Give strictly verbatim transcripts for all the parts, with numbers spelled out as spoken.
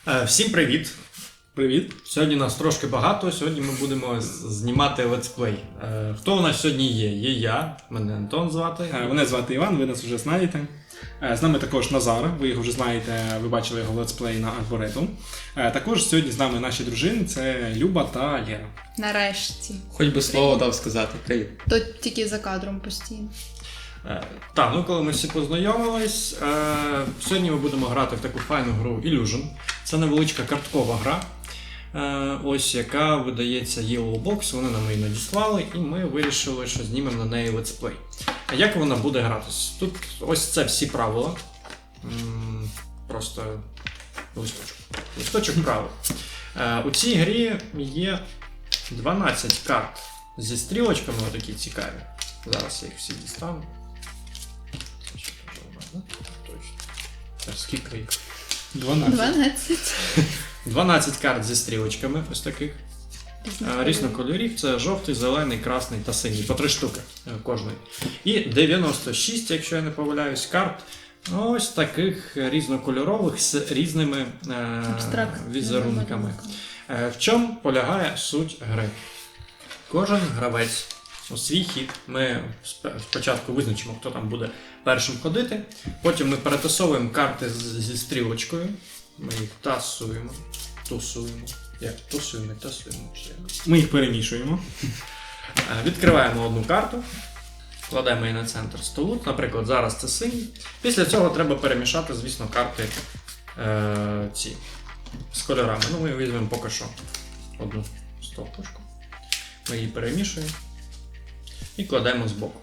Всім привіт! Привіт! Сьогодні нас трошки багато, сьогодні ми будемо знімати летсплей. Хто у нас сьогодні є? Є я, мене Антон звати. Мене звати Іван, ви нас вже знаєте. З нами також Назар, ви його вже знаєте, ви бачили його летсплей на Арборету. Також сьогодні з нами наші дружини, це Люба та Лера. Нарешті. Хоч би слово дав сказати. Привіт. То тільки за кадром постійно. Е, Так, ну коли ми всі познайомились, е, сьогодні ми будемо грати в таку файну гру Illusion. Це невеличка карткова гра, е, ось яка видається Yellow Box, вони нам її надіслали, і ми вирішили, що знімемо на неї летсплей. А як вона буде гратись? Тут ось це всі правила. М, Просто листочок. Листочок правил. Е, У цій грі є дванадцять карт зі стрілочками, отакі цікаві. Зараз я їх всі дістану. Точно. Так, скільки їх? дванадцять. дванадцять. дванадцять карт зі стрілочками, ось таких. Різних кольорів. Це жовтий, зелений, красний та синій. По три штуки кожної. І дев'яносто шість, якщо я не помиляюсь, карт. Ось таких різнокольорових з різними е, візерунками. Е, в чому полягає суть гри? Кожен гравець у свій хід. Ми спочатку визначимо, хто там буде першим ходити. Потім ми перетасовуємо карти зі стрілочкою. Ми їх тасуємо. Тусуємо. Як? Тусуємо, тасуємо. Ми їх перемішуємо. Відкриваємо одну карту. Кладемо її на центр столу. Наприклад, зараз це синій. Після цього треба перемішати, звісно, карти е, ці з кольорами. Ну, ми візьмемо поки що одну стовпочку. Ми її перемішуємо і кладемо збоку.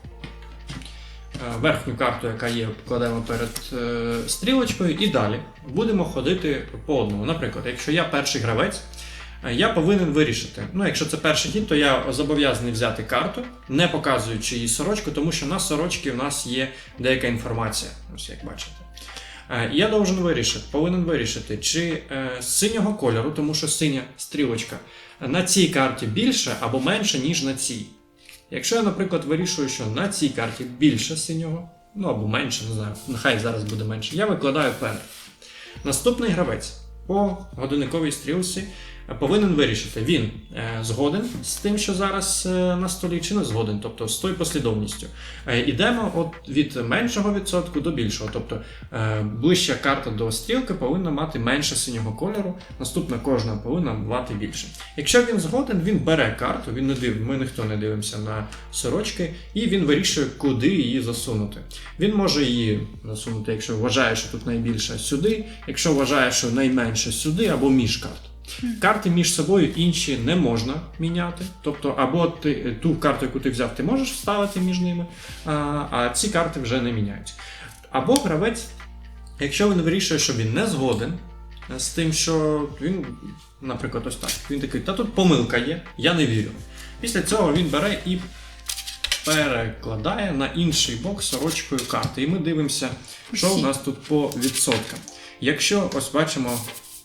Верхню карту, яка є, кладемо перед е, стрілочкою, і далі будемо ходити по одному. Наприклад, якщо я перший гравець, я повинен вирішити. Ну, якщо це перший хід, то я зобов'язаний взяти карту, не показуючи її сорочку, тому що на сорочці в нас є деяка інформація, ось як бачите. І я должен вирішити, повинен вирішити, чи е, з синього кольору, тому що синя стрілочка, на цій карті більше або менше, ніж на цій. Якщо я, наприклад, вирішую, що на цій карті більше синього, ну або менше, не знаю, нехай зараз буде менше, я викладаю перед. Наступний гравець по годинниковій стрілці повинен вирішити, він е, згоден з тим, що зараз е, на столі, чи не згоден, тобто з тою послідовністю. Е, ідемо от від меншого відсотку до більшого, тобто е, ближча карта до стрілки повинна мати менше синього кольору, наступна кожна повинна мати більше. Якщо він згоден, він бере карту, він не див, ми ніхто не дивимося на сорочки, і він вирішує, куди її засунути. Він може її засунути, якщо вважає, що тут найбільше, сюди, якщо вважає, що найменше сюди, або між карт. Карти між собою інші не можна міняти. Тобто, або ти, ту карту, яку ти взяв, ти можеш вставити між ними, а, а ці карти вже не міняються. Або гравець, якщо він вирішує, що він не згоден з тим, що він, наприклад, ось так, він такий, та тут помилка є, я не вірю. Після цього він бере і перекладає на інший бок сорочкою карти. І ми дивимося, що у нас тут по відсоткам. Якщо, ось бачимо,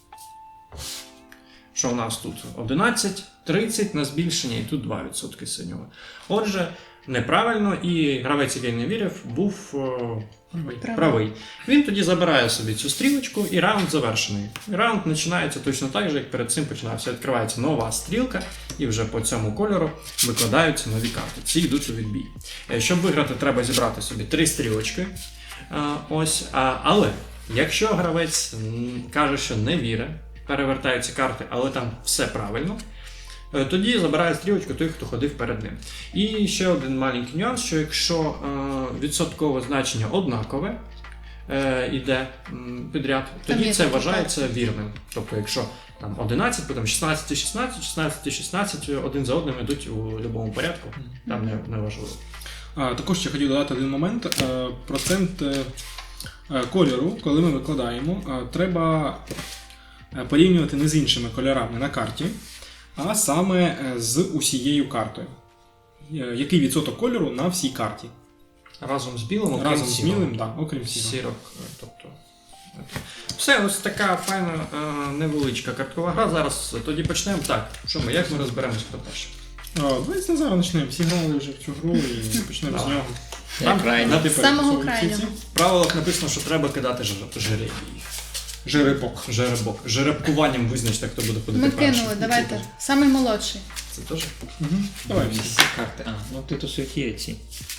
що у нас тут одинадцять, тридцять на збільшення, і тут два відсотки синього. Отже, неправильно, і гравець, який не вірив, був о, правий. правий. Він тоді забирає собі цю стрілочку, і раунд завершений. І раунд починається точно так же, як перед цим починався. Відкривається нова стрілка, і вже по цьому кольору викладаються нові карти. Ці йдуть у відбій. Щоб виграти, треба зібрати собі три стрілочки. Ось, але якщо гравець каже, що не вірить, перевертаються карти, але там все правильно, тоді забирає стрілочку той, хто ходив перед ним. І ще один маленький нюанс, що якщо е, відсоткове значення однакове е, йде м, підряд, тоді це вважається вірним. Тобто, якщо там одинадцять, потім шістнадцять і шістнадцять, шістнадцять і шістнадцять один за одним йдуть у будь-якому порядку, там не, не важливо. А, також ще хотів додати один момент. Процент кольору, коли ми викладаємо, треба порівнювати не з іншими кольорами на карті, а саме з усією картою. Який відсоток кольору на всій карті? Разом з білим, окрім Разом з білим, так, окрім сірого. Сірок, тобто. Все, ось така файна невеличка карткова гра. Зараз тоді почнемо. Так, що ми, як ми розберемося, хто перший? Давайте на зараз почнемо. Всі грали вже в цю гру і почнемо з нього. Я крайній. З самого крайнього. В правилах написано, що треба кидати жеребії. Жеребок. Жеребок. Жеребкуванням визначте, хто буде ходити Ми першим. кинули, давайте. Самий молодший. Це теж? Угу. Давай. Всі карти. А, ну тут усе є ці.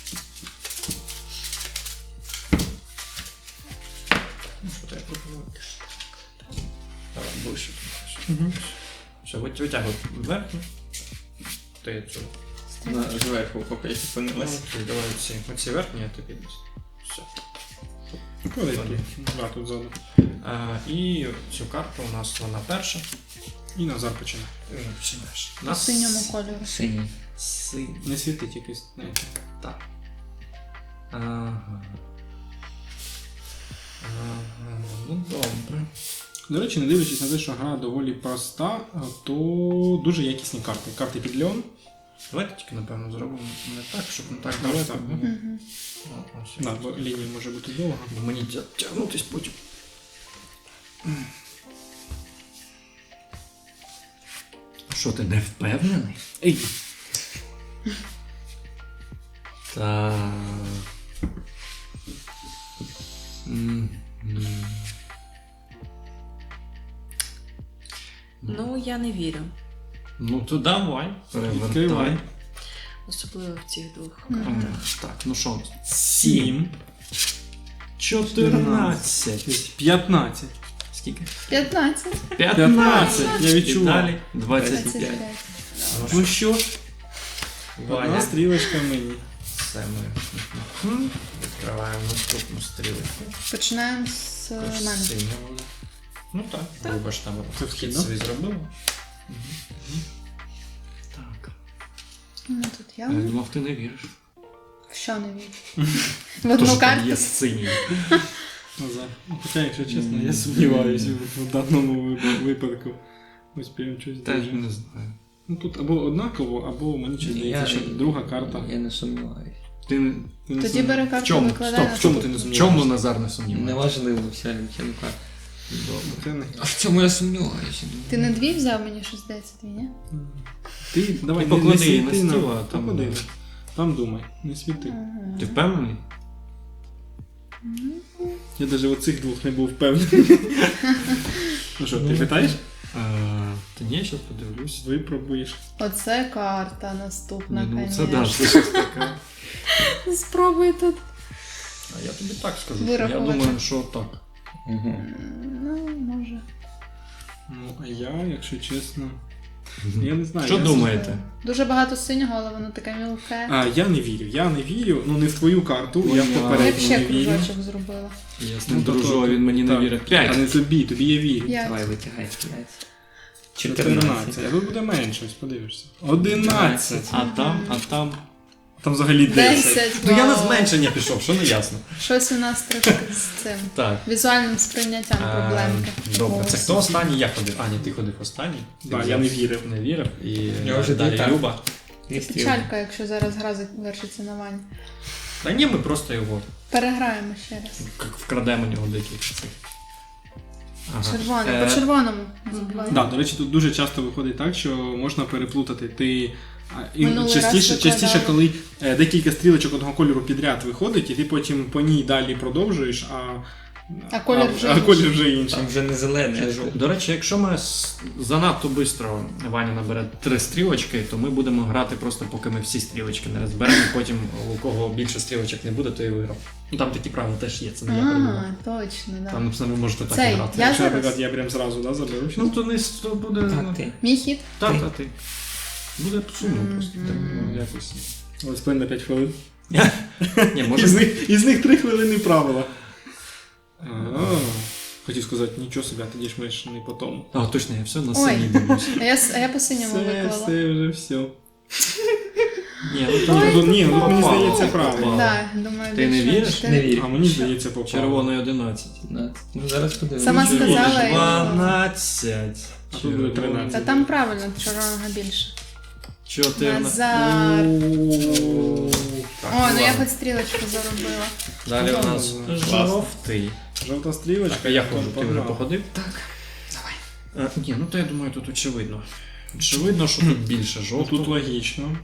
Ну, що то я пропоную? Давай, ближче. Угу. Все, вит- витягуй верхню. Ти цю. На зверху поки я зупинилась. Ну, давай оці. Оці верхні, а ти підеш. Все. Куди тут? Да, тут ззаду. А, і цю карту у нас вона перша. І Назар починає. Ти вже починаєш. По Нас синьому кольору. Синій. Синій. Не світить якийсь, знаєте. Так. Ага. Ага. Ну добре. До речі, не дивлячись на те, що гра доволі проста, то дуже якісні карти. Карти під Леон. Давайте тільки, напевно, зробимо не так, щоб не так Давай далеко. так. було. Угу. О, ось. Да, бо лінія може бути довга. Бо мені тя- тягнутись потім. Що, ти не впевнений? Ей! Так. М, м. Ну, я не вірю. Ну то давай, перевертай. Відкривай. Особливо в цих двох Мгм. картах. Так, ну що? Сім. Чотирнадцять. п'ятнадцять. Скільки? п'ятнадцять. п'ятнадцять. Я І відчував. далі двадцять двадцять п'ять. п'ять. Ну що? Одна Ваня. стрілочка мені. Все ми відкриваємо наступну стрілочку. Починаємо з е, Також мене. синя буде. Ну так, вибач там Це вхід вхід, собі зробила. Мгм. Так. Ну, тут я. Я думав, ти не віриш. В що не вірю? В одну Тож там карту. є синій. Назар. Ну, Хоча, якщо чесно, я сумніваюся в в даному вип- випадку. Ось прям щось Теж дуже. не знаю. Ну тут або однаково, або мені чи здається, що друга карта. Я не сумніваюся. Ти не- Ти не Тоді сум- бери в карту, чому? викладай Стоп, на в чому стол. ти не В сумніваєшся? В чому чому? Назар не сумнівається? Неважливо, вся лінка. Добре. Це не- А в цьому я сумніваюся. Ти не дві взяв, мені щось здається, дві, ні? Ти давай Ти не- не поклади її на світи стіл, нам. а там- Поклади. Там думай, не світи. Ага. Ти впевнений? Я навіть в оцих двох не був впевнений. Ну що, ти питаєш? Е, Та ні, я зараз подивлюсь. Випробуєш. Оце карта наступна, Ні, ну це конечно. да, це щось таке. Спробуй тут. А я тобі так скажу. що Я Вирахувати. думаю, що так. Угу. Ну, може. Ну, а я, якщо чесно. Я не знаю. Що я думаєте? Дуже багато синього, але воно таке мілке. А, я не вірю, я не вірю, ну не в твою карту, я в Ой, Я б попередню ще не вірю. кружочок зробила. Я з Ну, ним то- дружу, а то- він мені не так. вірить. А П'ять. не тобі, тобі я вірю. П'ять. Давай, витягай п'ять. чотирнадцять. чотирнадцять. А тут буде менше, ось подивишся. одинадцять. А там, а там. Там взагалі десять. Десять. Ну я на вау. зменшення пішов, що не ясно. Щось у нас трохи з цим. Так. Візуальним сприйняттям Е, проблемки. Добре, це Ось. хто останній? Я ходив. А, ні, ти ходив останній. Ти Да, взяв- я не вірив. Не вірив. І Я вже далі так. Люба. Дві стрілки. Печалька, якщо зараз гра завершиться на Вані. Та ні, ми просто його Переграємо ще раз. к- вкрадемо у нього декілька цих. Ага. Червоний, Е, по червоному. Не забувай. Да, до речі, тут дуже часто виходить так, що можна переплутати. Ти а, і Минулий частіше, раз частіше, викладали. коли е, декілька стрілочок одного кольору підряд виходить, і ти потім по ній далі продовжуєш, а, А колір вже а, інший. колір вже інший. Там вже не зелений, а жовтий. До речі, якщо ми с- занадто швидко Ваня набере три стрілочки, то ми будемо грати просто поки ми всі стрілочки не розберемо, і потім у кого більше стрілочок не буде, то і виграв. Ну там такі правила теж є, це не я придумав. А, точно, да. Там написано, ви можете так Цей, і грати. я Якщо, зараз? наприклад, я прям зразу да, заберу. Ну то не с- то буде. ну, Так, ти. Мій хід? Та, Ти. та ти. Буде сумно просто. Так, ну, якось. Ось плин на п'ять хвилин. Ні, може. Із них, із них три хвилини правила. А, хотів сказати, нічого собі, а тоді ж ми ж не по тому. А, точно, я все на Ой. синій дивлюсь. А я, с- а я по синьому Все, виклала. все, вже все. Ні, ну Ні, то ну, ні, ну, мені попало, здається, попало. правильно. Да, думаю, Ти не більш-менш. віриш? Ти- Не вірю. А мені здається, попало. червоний одинадцять. п'ятнадцять. Ну зараз подивимось. Сама Червоний сказала, і- дванадцять. А тут буде тринадцять. Та там правильно, чорного більше. чотирнадцять. Назар. Так, О, ну я ладно. хоч стрілочку заробила. Далі у нас Класно. жовтий. Жовта стрілочка. Так, а я ходжу, ти вже погнав. походив? Так. Давай. Ні, ну то я думаю, тут очевидно. Очевидно, що тут більше Ну, жовтого. тут логічно.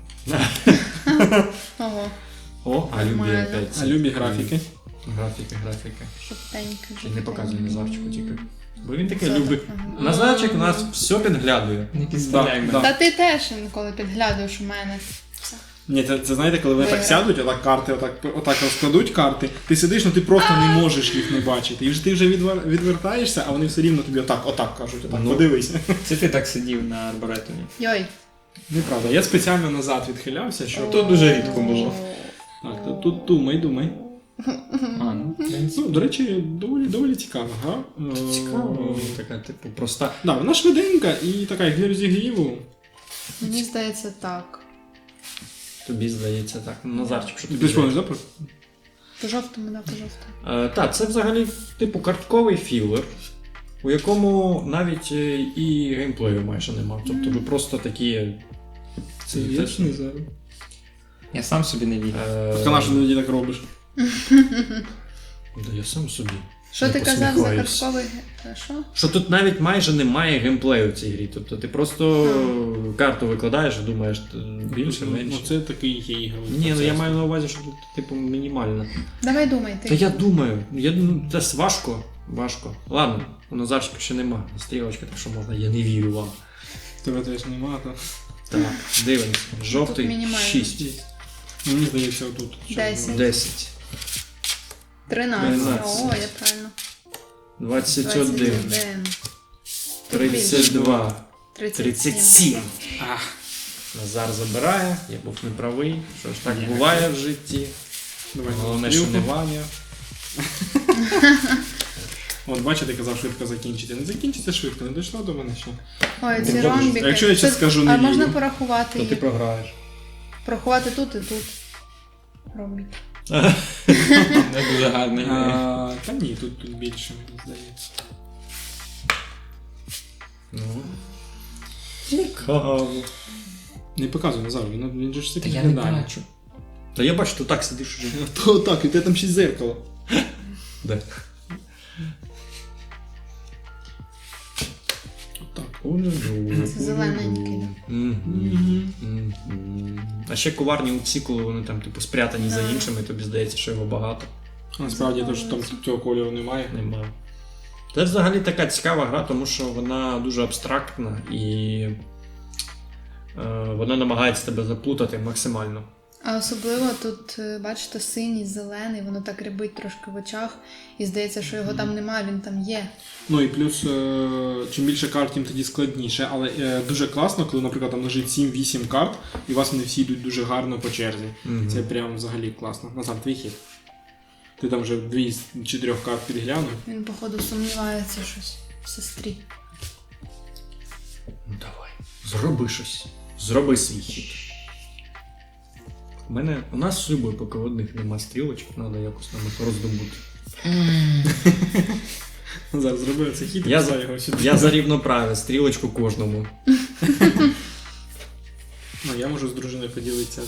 Ого, О, а любі Нормально. опять. А любі графіки. Графіки, графіки. жовтенький. І не показуй Назарчику тільки. Бо він такий Це любить. так, ага. Назарчик у нас все підглядує. Не підставляй Да, мене. Та ти теж інколи підглядуєш у мене. Ні, це, це знаєте, коли вони так Виграв. сядуть, отак карти, отак, отак розкладуть карти, ти сидиш, ну ти просто не можеш їх не бачити. І вже ти вже відвер- відвертаєшся, а вони все рівно тобі отак, отак кажуть, отак, Ну. подивися. Це ти так сидів на арборетумі. Йой. Неправда, я спеціально назад відхилявся, щоб... То дуже рідко було. Так, то тут думай, думай. А, ну, в принципі. Ну, до речі, доволі, доволі цікава гра. Е, Цікаво. Така, типу, проста. Да, вона швиденька і така, як для розігріву. Мені здається так. Тобі здається так. Ну, Назарчик, що Ти тобі спомниш, здається? да? про- По жовтому, да, по жовтому. Е, так, це взагалі типу картковий філер, у якому навіть е, і геймплею майже нема. Тобто ви просто такі. Це я ж не знаю. Я сам собі не вірю. Е, Так, а що ти тоді так робиш? Да я сам собі. Що не ти казав за посміхаюсь. картковий... ге- Що? Що тут навіть майже немає геймплею в цій грі. Тобто ти просто карту викладаєш і думаєш т- більше, Ну, менше. це такий є ігровий Ні, ну я процес. маю на увазі, що тут типу мінімально. Давай думай, ти. Та я думаю, я ну, це важко. Важко. Ладно, у Назарчика ще нема. Стрілочка, так що можна, я не вірю вам. Тебе теж нема, то... Так, дивимося. Жовтий мінімально. шість. Мені здається, отут. що Десять. воно. десять. Тринадцять. Тринадцять. О, я правильно. двадцять один. Двадцять один. тридцять два. Тридцять тридцять сім. сім. Ах, Назар забирає, я був неправий. Що ж так Ні. буває в житті. давай Головне, що стрілку. не Ваня. От бачите, казав швидко закінчити. Не закінчиться швидко, не дійшло до мене ще. Ой, ці Ну, ромбіки. а якщо я щас Це- скажу не А можна вірю? порахувати То ти їх? програєш. Порахувати тут і тут. Ромбіки. Не дуже гарний. А, та ні, тут, тут більше, мені здається. Ну. Цікаво. Не показуй Назар, він, він же ж все Та я не підглядає. бачу. Та я бачу, ти так сидиш уже. То так, і тебе там ще й зеркало. Де? Отак. Це зелененький, Мгм. Мгм. А ще коварні оці, коли вони там типу спрятані за Так. іншими, тобі здається, що його багато. Насправді, то, що там цього кольору немає. Нема. Це взагалі така цікава гра, тому що вона дуже абстрактна і е, вона намагається тебе заплутати максимально. А особливо тут, е, бачите, синій, зелений, воно так рябить трошки в очах, і здається, що його там немає, він там є. Ну і плюс, е, чим більше карт, тим тоді складніше. Але е, дуже класно, коли, наприклад, там лежить сім-вісім карт, і у вас вони всі йдуть дуже гарно по черзі. Мгм. Це прям взагалі класно. Назад, твій хід. Ти там вже дві з чотирьох карт підглянув. Він, походу, сумнівається щось в сестрі. Ну давай, зроби щось. Зроби свій хід. У мене, у нас з Любою, поки одних нема стрілочок, треба якось нам їх роздобути. Зараз зробив цей хід і Я писав за- його сюди. Я за рівноправ'я, стрілочку кожному. Ну, я можу з дружиною поділитися.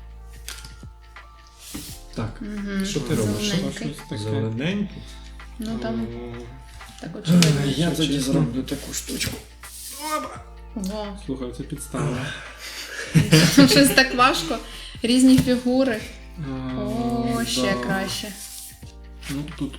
Так, Угу. що ти робиш? Зелененький. Таке. Зелененький. Ну там О, так очевидно. Я тоді чесно. зроблю таку штучку. Ого. Слухай, це підстава. Щось так важко. Різні фігури. А, О, ще да. краще. Ну, тут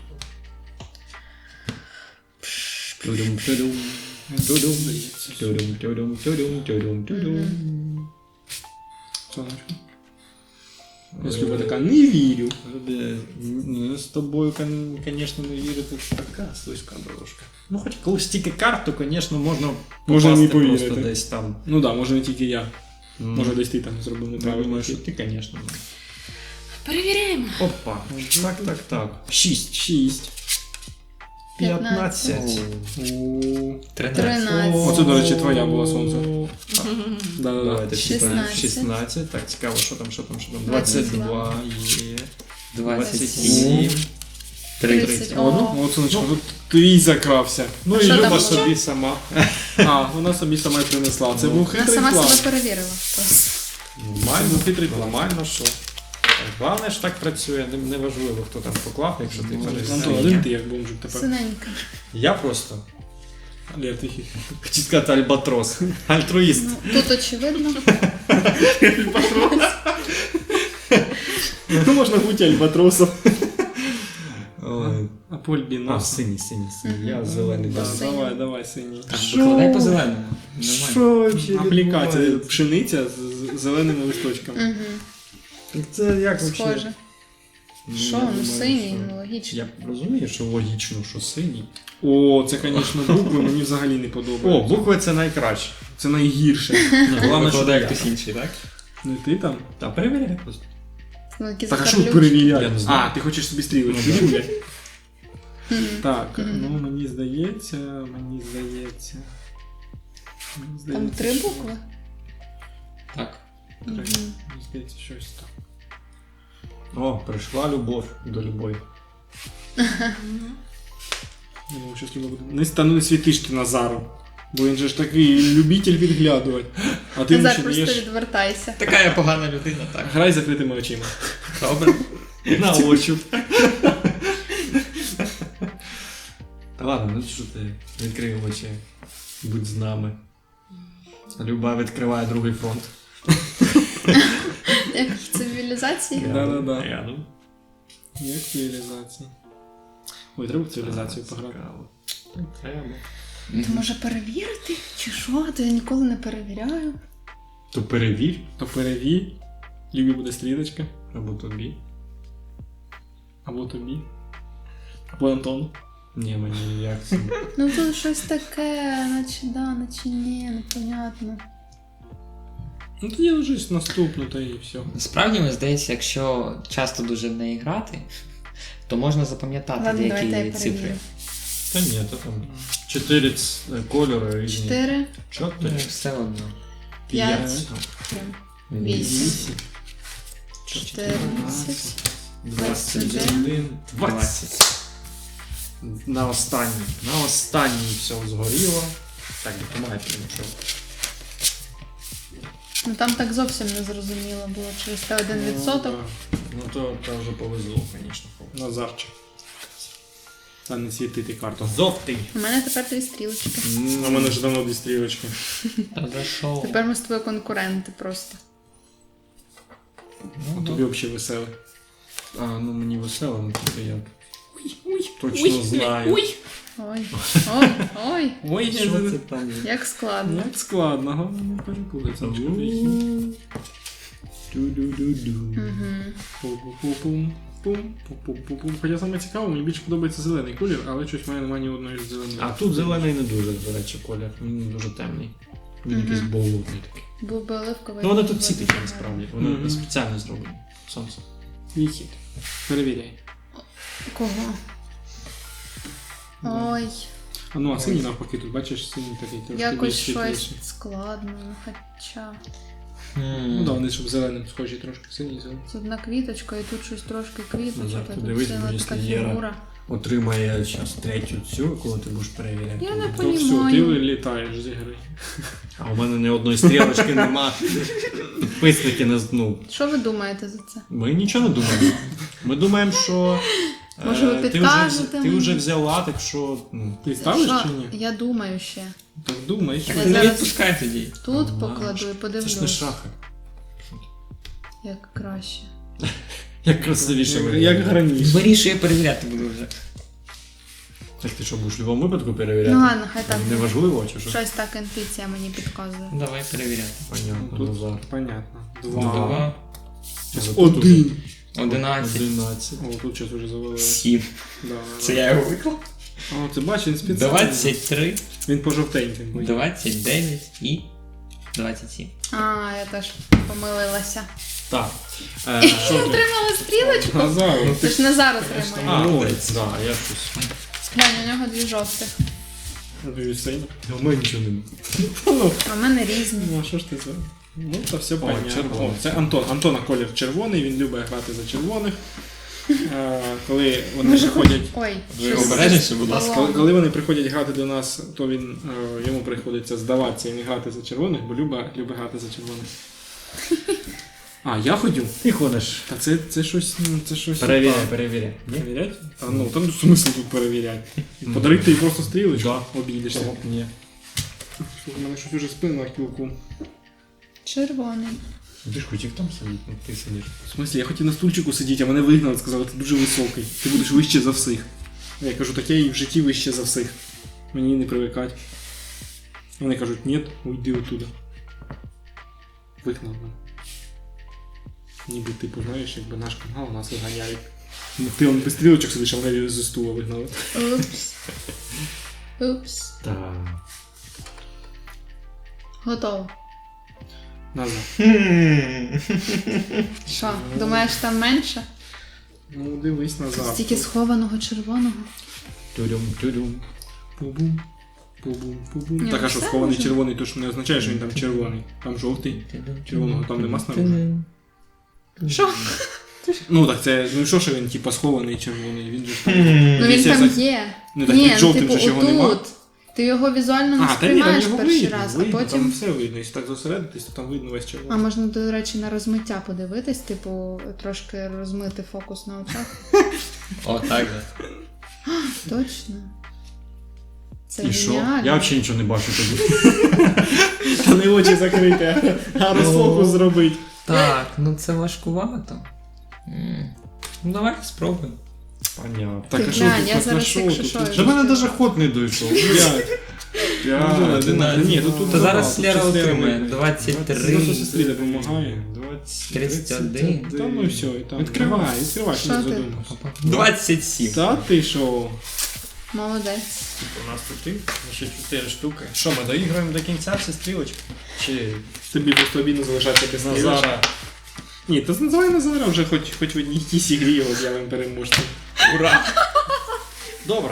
Тудум-тудум. Тудум. здається. Тудум-тудум, тудум-тудум, тудум. Сонечко. Ось Люба така, не вірю. Люби, ну, з тобою, звісно, не вірити, це така слизька дорожка. Ну, хоч коли стільки карт, то, звісно, можна Можна попасти не повірити. просто десь там. Ну так, да, може не тільки я. М. Може десь ти там зробив Я неправильно. думаю, що ти, звісно. Перевіряємо. Опа. Так, так, так. Шість. Шість. П'ятнадцять. О, Тринадцять. Тринадцять. Оце, до речі, твоя була сонце. Да-да-да. Давайте Шістнадцять. шістнадцять. Так, цікаво, що там, що там, що там. двадцять два є. двадцять Двадцять сім. Тридцять. О, О. ну, от, сонечко, тут твій закрався. Ну А і що там Люба ще? собі сама. А, вона собі сама й принесла. Це Ну. був Вона хитрий сама план. себе перевірила. просто. Нормально, Це хитрий план. нормально, що. Головне ж так працює, не- неважливо, хто там поклав, якщо ти Антон, перевіряєш. один ти як бомжик тепер. Синенька. Я просто Лєр, твій хід. хотів сказати альбатрос. Альтруїст. Ну, тут очевидно. Ну, можна бути альбатросом. Ой. А Польбіноса. А, синій, синій, синій. Мгм. Я зелений. Да, дам. Синій. давай, давай, синій. Так, викладай по зеленому. Нормально. Що взагалі Аплікація, відбувається? пшениця з з зеленими листочками. Угу. Це як взагалі? Схоже. Ну, Що, я ну думаю, синій, що- ну логічно. Я розумію, що логічно, що синій. О, це, звісно, букви мені взагалі не О, подобаються. букви це найкраще. Це найгірше. Головне, що Викладає я. хтось інший, так? Не ти там? Та перевіряй просто. Ну, якісь Так, а що закарлючки. перевіряти? Я не знаю. А, ти хочеш собі стрілочку Ну, да. рівняти? Мгм. Так, Мгм. ну мені здається, мені здається. Мені Там здається, три що- букви? Так. Три. Мгм. Мені здається, щось там. О, прийшла любов до любові. Я думав, щось любов буде. Не стану не світиш ти Назару. Бо він же ж такий любитель підглядувати. А ти йому Назар, ще просто даєш. відвертайся. Така я погана людина, так. Грай з закритими очима. Добре. На очі. Та ладно, ну що ти, відкрий очі. Будь з нами. Люба відкриває другий фронт. Як в цивілізації? Да-да-да. Рядом. Як цивілізація. Ой, треба в цивілізацію пограти. Цікаво. Треба. То може перевірити? Чи що? То я ніколи не перевіряю. То перевір, То перевір. Любі буде стрілочка. або тобі. Або тобі. Або Антону. Ні, мені як це. Ну тут щось таке, наче да, наче ні, непонятно. Ну тоді лежиш наступну, та і все. Насправді, мені здається, якщо часто дуже в неї грати, то можна запам'ятати Ладно, давайте я деякі цифри. перевірю. Та ні, то там чотири ц- кольори різні. Чотири, Ну, Чотири. все одно. п'ять, П'ять. вісім, чотирнадцять, Двадцять двадцять один. Двадцять. На останній. На останній все згоріло. Так, допомагайте мені, що. Ну там так зовсім не зрозуміло було, через те один відсоток. Ну то, то вже повезло, звісно. Назарчик. Та не світити карту. Жовтий. У мене тепер дві стрілочки. А в мене ж давно дві стрілочки. Та за що? Тепер ми з тобою конкуренти просто. А тобі взагалі веселе. А, ну мені весело, ну тільки я точно знаю. Ой, ой, ой, Ой, Що це там? як складно. Як складно, головне не перепутатися. Ду-ду-ду-ду. Угу. Пум-пум-пум. Пум-пум-пум-пум. Хоча саме цікаво, мені більше подобається зелений колір, але щось в мене немає ні одної зеленої. А тут зелений не дуже, до речі, колір. Він дуже темний. Він Мгм. якийсь болотний такий. Був би оливковий. Ну вони був тут би всі дуже такі гарно. насправді. Вони Мгм. спеціально зроблені. Сонце. Твій хід. Перевіряй. Кого? Ой, А ну, а синій навпаки, тут бачиш, синій такий трошки якось більш щось світліший. складно, ну хоча. Ну да, вони щоб зеленим схожі трошки, синій зелений. Тут одна квіточка і тут щось трошки квіточок, Назар, а ти тут дивись, ціла бо така якщо Єра- фігура. Отримає зараз третю цю, коли ти будеш перевіряти. Я не то- Ну все, ти Понімаю. вилітаєш з ігри. А у мене ні одної стрілочки нема. Підписники не з- ну, Що ви думаєте за це? Ми нічого не думаємо. Ми думаємо, що. е, Може, ви ти вже, підкажете ти мені? вже взяла, так що. Ну, Ти ставиш Що? чи ні? Я думаю ще. Так думаєш. Так Я ти не зараз- відпускай тоді. Тут Ага. покладу і це ж не подивлюсь, шахи. як краще. Як красивіше Як, виглядає. як раніше. Вирішує, перевіряти буду вже. Так ти що, будеш в будь-якому випадку перевіряти? Ну ладно, хай так. Неважливо, чи що? Щось так інтуїція мені підказує. Давай перевіряти. Понятно, Тут Назар. понятно. Два. Два, Зараз Один. одинадцять, одинадцять. О, тут щось вже завалило. сім. Да, Це да. я його виклав. О, це бачиш, він спеціально. двадцять три, Він по жовтеньким. буде. двадцять дев'ять і двадцять сім. А, я теж помилилася. Так. Е, що ти? Отримала стрілочку? Назар, Це ж Назар отримує. А, Ну, ось, да, я щось. Глянь, у нього дві жовтих. дві сині. У мене нічого нема. Ну, А в мене різні. ну, а що ж ти за? Ну, то все понятно. червоний. О, це Антон. Антона колір червоний, він любить грати за червоних. Е, коли вони Може, приходять. Ой, Ви щось обережніше, будь ласка. Коли, коли вони приходять грати до нас, то він е, йому приходиться здаватися і не грати за червоних, бо любить, любить грати за червоних. А, я ходю? Ти ходиш. Та це, це щось. ну, Це щось. Перевіряй, так. перевіряй. Ні? Перевірять? А ну там смисл тут перевіряти. Подарити їй просто стрілочку, Да. обійдешся. Ні. У мене щось уже спина на кілку. червоний. Ти ж хотів там сидіти, ну ти сидиш. В смислі, я хотів на стульчику сидіти, а мене вигнали, сказали, ти дуже високий. Ти будеш вище за всіх. Я кажу, таке і в житті вище за всіх. Мені не привикать. Вони кажуть, ні, уйди оттуда. Вигнав мене. Ніби, типу, знаєш, якби наш канал нас виганяють. Ну, ти он без стрілочок сидиш, а вони зі стула вигнали. Упс. Упс. Так. Готово. Назад. Що, думаєш, там менше? Ну, дивись назад. Стільки схованого червоного. Тюрюм, тюрюм. Пу-бум. Пу-бум, пу-бум. Ні, Так, а ну що все схований може. червоний, то ж не означає, що він там червоний. Там жовтий. Червоного там нема снаружи. Що? Ну так це, ну що, що він типа схований червоний, він же ж там. Ну він Якщо там за- є. Ну, так Ні, під жовтим типу, же ж його нема. отут. Ти його візуально не А, та ні, там сприймаєш його перший видно, раз, видно, а там потім. все видно. Якщо так зосередитись, то там видно весь А червоний. можна, до речі, на розмиття подивитись, типу, трошки розмити фокус на очах. О, так же. Точно. Це І що? геніально. Я взагалі нічого не бачу тоді. Та не очі закрити, а розфокус зробити. Так, ну це важкувато. М. Ну давай спробуємо. Понятно. Так, Ти а що глянь, тут я так зараз, нашов? якщо Тут що, тут До мене навіть ход не дійшов. п'ять. П'ять. одинадцять. Ні, тут тут То зараз тут Лера щось отримає видно. двадцять Просто три. сестрі допомагає. двадцять, тридцять один. Та ну і все, і там. Відкривай. відкривай, що Що не ти? задумався. двадцять сім. Та ти що? Молодець. У нас тут і ще чотири штуки. Що, ми доіграємо до кінця всі стрілочки? Чи Тобі просто обідно залишатися без стрілочки. Назара? Ні, то називай Назара вже хоч, хоч в одній якійсь ігрі його з'явимо переможцем. Ура! Добре.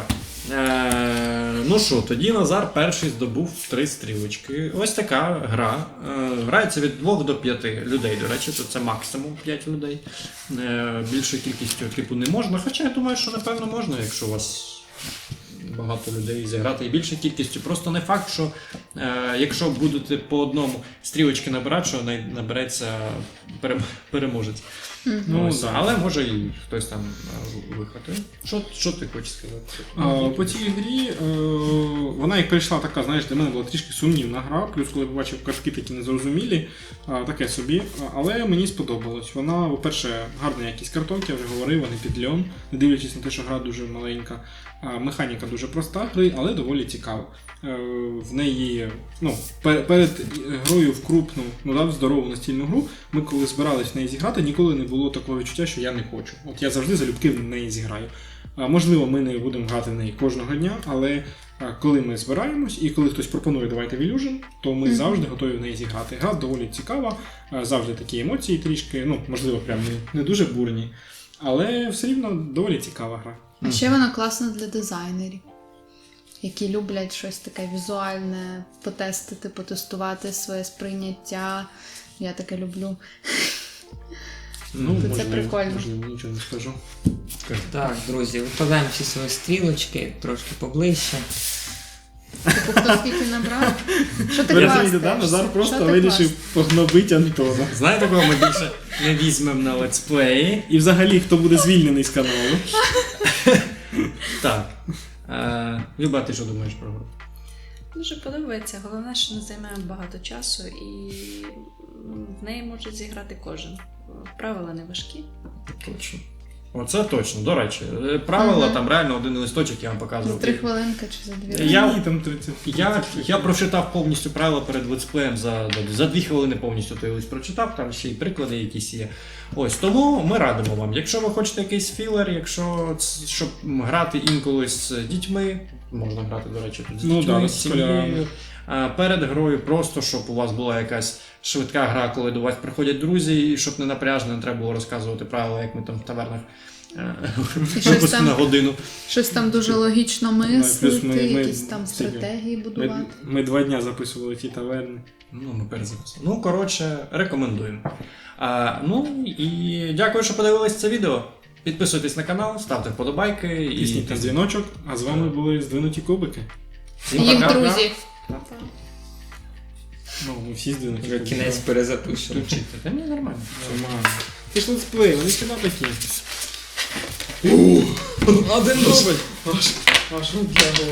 Е, ну що, тоді Назар перший здобув три стрілочки. Ось така гра. Е, грається від двох до п'яти людей, до речі, то це максимум п'ять людей. Е, більшою кількістю типу не можна. Хоча я думаю, що напевно можна, якщо у вас багато людей зіграти і більшою кількістю. Просто не факт, що е, якщо будете по одному стрілочки набирати, що най- набереться перем- переможець. Ну, Ось, да. але може і хтось там е, вихватив. Що, що ти хочеш сказати? А, по цій грі е, вона як прийшла така, знаєш, для мене була трішки сумнівна гра, плюс коли побачив картки такі незрозумілі, а, таке собі. А, але мені сподобалось. Вона, по-перше, гарна якість карток, я вже говорив, вони під льон, не дивлячись на те, що гра дуже маленька. А, механіка дуже проста гри, але доволі цікава. Е, в неї, ну, пер- перед грою в крупну, ну, да, в здорову настільну гру, ми коли збирались в неї зіграти, ніколи не було такого відчуття, що я не хочу. От я завжди залюбки в неї зіграю. А, можливо, ми не будемо грати в неї кожного дня, але а, коли ми збираємось і коли хтось пропонує давайте в Illusion, то ми Мгм. завжди готові в неї зіграти. Гра доволі цікава, а, завжди такі емоції трішки, ну, можливо, прям не, не дуже бурні, але все рівно доволі цікава гра. А ще вона класна для дизайнерів, які люблять щось таке візуальне, потестити, потестувати своє сприйняття. Я таке люблю. Ну, Це можливо, прикольно. Можливо, нічого не скажу. Так, друзі, викладаємо всі свої стрілочки трошки поближче. Типу, хто скільки набрав? Що ти Ви розумієте, да? хвастаєшся? Назар Що просто ти вирішив хвастаєшся? погнобити Антона. Знаєте, кого ми більше не візьмемо на летсплеї? І взагалі, хто буде звільнений з каналу. Так. Е, Люба, ти що думаєш про гру? Дуже подобається. Головне, що не займає багато часу і в неї може зіграти кожен. Правила не важкі. Точно. Оце точно, до речі. Е, Правила Мгм. там реально один листочок я вам За показував. три хвилинки чи за дві? Я- Ні, там тридцять. Я, я прочитав повністю правила перед летсплеєм за, за дві хвилини повністю той лист прочитав, там ще й приклади якісь є. Ось тому ми радимо вам. Якщо ви хочете якийсь філер, якщо ц- щоб грати інколи з дітьми, можна грати, до речі, тут з Ну дітьми, да, з з сім'єю. школярами. А перед грою просто, щоб у вас була якась швидка гра, коли до вас приходять друзі, і щоб не напряжно, не треба було розказувати правила, як ми там в тавернах е, І щось просто там- на годину. Щось там дуже логічно мислити, плюс ми- ми- якісь там стільки? стратегії Ми, будувати. ми два дня записували ті таверни. Ну, ми перезаписали. Ну, коротше, рекомендуємо. А, ну і дякую, що подивились це відео. Підписуйтесь на канал, ставте вподобайки і Тисніть на дзвіночок, а з вами були здвинуті кубики. всім Їх пока. друзі. Ну, ми всі здвинуті Вже кубики. кінець перезапишемо. Включити. Та ні, нормально. Нормально. Ти ж летсплей, вони сюди такі. Один дубль. Аж, аж руки